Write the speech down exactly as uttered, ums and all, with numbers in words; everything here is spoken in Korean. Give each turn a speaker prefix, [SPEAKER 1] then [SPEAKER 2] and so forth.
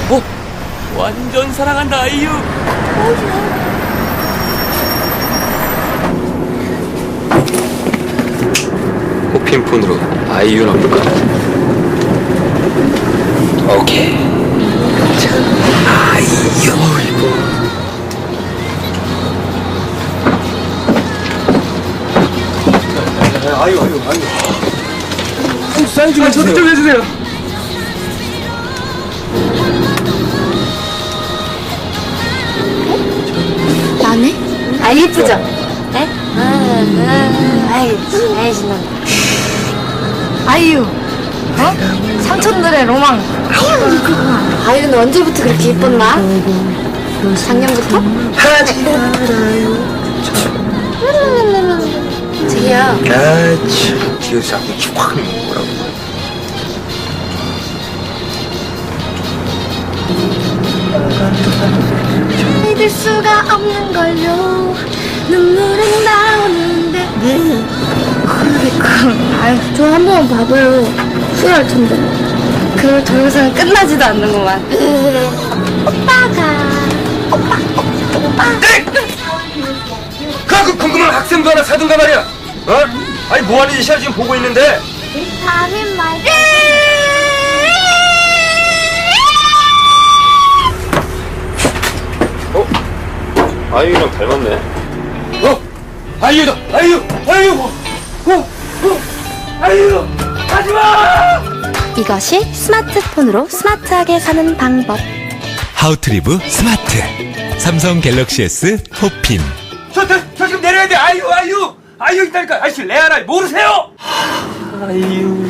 [SPEAKER 1] 뭐? 완전 사랑한다 아이유.
[SPEAKER 2] 호핀 폰으로 아이유 넣을까? 오케이. 자, 아이유.
[SPEAKER 3] 아유 아유 아유.
[SPEAKER 1] 사인 좀 해주세요.
[SPEAKER 3] 좀 해주세요.
[SPEAKER 4] 나네? 아 예쁘죠? 네? 아, 아, 아이, 아이 신난다. 아이유, 어? 삼촌들의 로망. 아이유 이거구나. 아이유는 언제부터 그렇게 예뻤나? 작년부터? 저기요.
[SPEAKER 2] 아, 참. 뒤에서 자꾸 확 뭐라고.
[SPEAKER 4] 믿을 수가 없는 걸요. 눈물은 나오는데. 네. 그러니까. 아유, 저 한 번만 봐봐요. 후회할 텐데. 그 동영상은 끝나지도 않는구만. 오빠가. 오빠, 오빠, 오빠.
[SPEAKER 2] 그 궁금한 학생도 하나 사든가 말이야. 어? 아니 뭐하는 짓이야 지금 보고 있는데.
[SPEAKER 4] 아민 말.
[SPEAKER 2] 어? 아이유랑 닮았네. 어? 아이유다. 아이유. 아이유. 어? 어? 아이유. 하지마.
[SPEAKER 4] 이것이 스마트폰으로 스마트하게 사는 방법.
[SPEAKER 5] 하우트리브 스마트 삼성 갤럭시 S 호핀.
[SPEAKER 2] 저, 저, 저 지금 내려야 돼. 아이유, 아이유. 아이유 있다니까. 아저씨 레아라 모르세요?
[SPEAKER 1] 아이유.